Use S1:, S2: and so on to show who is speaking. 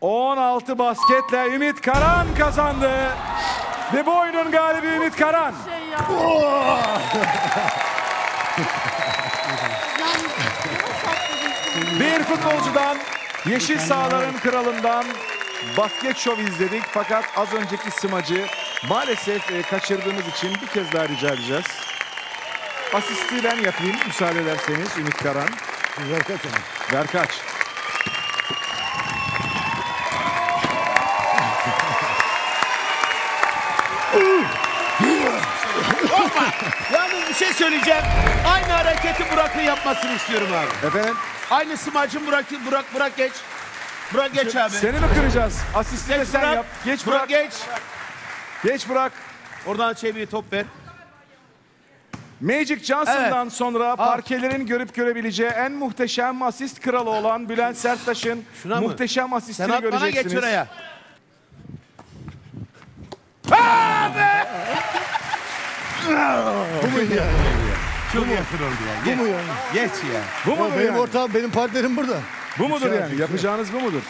S1: 16 basketle Ümit Karan kazandı. Ve bu oyunun galibi Ümit Karan. Bir futbolcudan, yeşil sahaların kralından basket şov izledik. Fakat az önceki smacı maalesef kaçırdığımız için bir kez daha rica edeceğiz. Asisti ben yapayım müsaade ederseniz Ümit Karan.
S2: Ver kaç ama.
S1: Ver kaç.
S3: Yalnız bir şey söyleyeceğim. Aynı hareketi Burak'ın yapmasını istiyorum abi.
S1: Efendim?
S3: Aynı smacın Burak geç. Burak geç abi.
S1: Seni mi kıracağız? Asisti de sen
S3: Burak,
S1: yap. Geç
S3: Burak
S1: Burak.
S3: geç.
S1: Geç Burak.
S3: Oradan çeviri top ver.
S1: Magic Johnson'dan sonra parkelerin görüp görebileceği en muhteşem asist kralı olan Bülent Serttaş'ın
S3: Şuna mı?
S1: muhteşem
S3: Sen
S1: asistini
S3: at bana
S1: göreceksiniz.
S3: geç oraya.
S2: Bu muydu yani?
S3: Çok yakın oldu ya.
S2: Bu mu yani?
S3: Geç ya.
S1: Bu
S2: Ya
S1: mudur
S2: benim
S1: yani?
S2: ortağım, benim partnerim burada.
S1: Bu mudur
S2: Şey
S1: yani? Yapacağınız bu mudur?